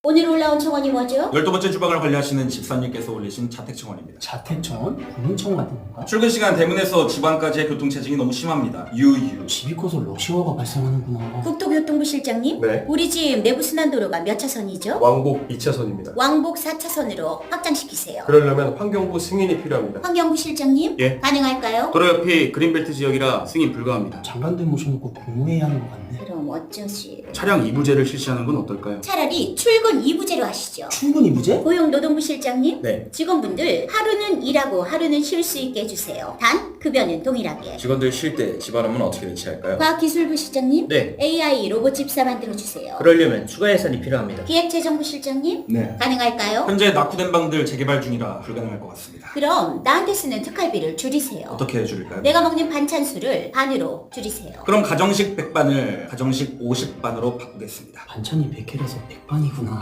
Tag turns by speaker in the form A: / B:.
A: 오늘 올라온 청원이 뭐죠?
B: 12번째 주방을 관리하시는 집사님께서 올리신 자택청원입니다.
C: 자택청원? 본인청원 같은 건가?
B: 출근 시간 대문에서 집안까지의 교통체증이 너무 심합니다. 유유.
C: 집이 커서 러시아어가 발생하는구나.
A: 국토교통부 실장님?
D: 네.
A: 우리 집 내부순환도로가 몇 차선이죠?
D: 왕복 2차선입니다.
A: 왕복 4차선으로 확장시키세요.
D: 그러려면 환경부 승인이 필요합니다.
A: 환경부 실장님?
E: 예.
A: 가능할까요?
E: 도로 옆이 그린벨트 지역이라 승인 불가합니다.
C: 장관들 모셔놓고 공무회의 하는 것 같네.
A: 그럼 어쩌지?
E: 차량 이부제를 실시하는 건 어떨까요?
A: 차라리 출근 2부제로 하시죠.
C: 출근 이부제?
A: 고용노동부 실장님?
E: 네.
A: 직원분들 하루는 일하고 하루는 쉴 수 있게 해주세요. 단 급여는 동일하게.
F: 직원들 쉴 때 집안하면 어떻게 대체할까요?
A: 과학기술부 실장님?
F: 네.
A: AI 로봇 집사 만들어주세요.
F: 그러려면 추가 예산이 필요합니다.
A: 기획재정부 실장님?
B: 네.
A: 가능할까요?
B: 현재 낙후된 방들 재개발 중이라 불가능할 것 같습니다.
A: 그럼 나한테 쓰는 특활비를 줄이세요.
B: 어떻게 해줄까요?
A: 내가 먹는 반찬 수를 반으로 줄이세요.
B: 그럼 가정식 100반을 가정식 50반으로 바꾸겠습니다.
C: 반찬이 100개라서 100반이구나.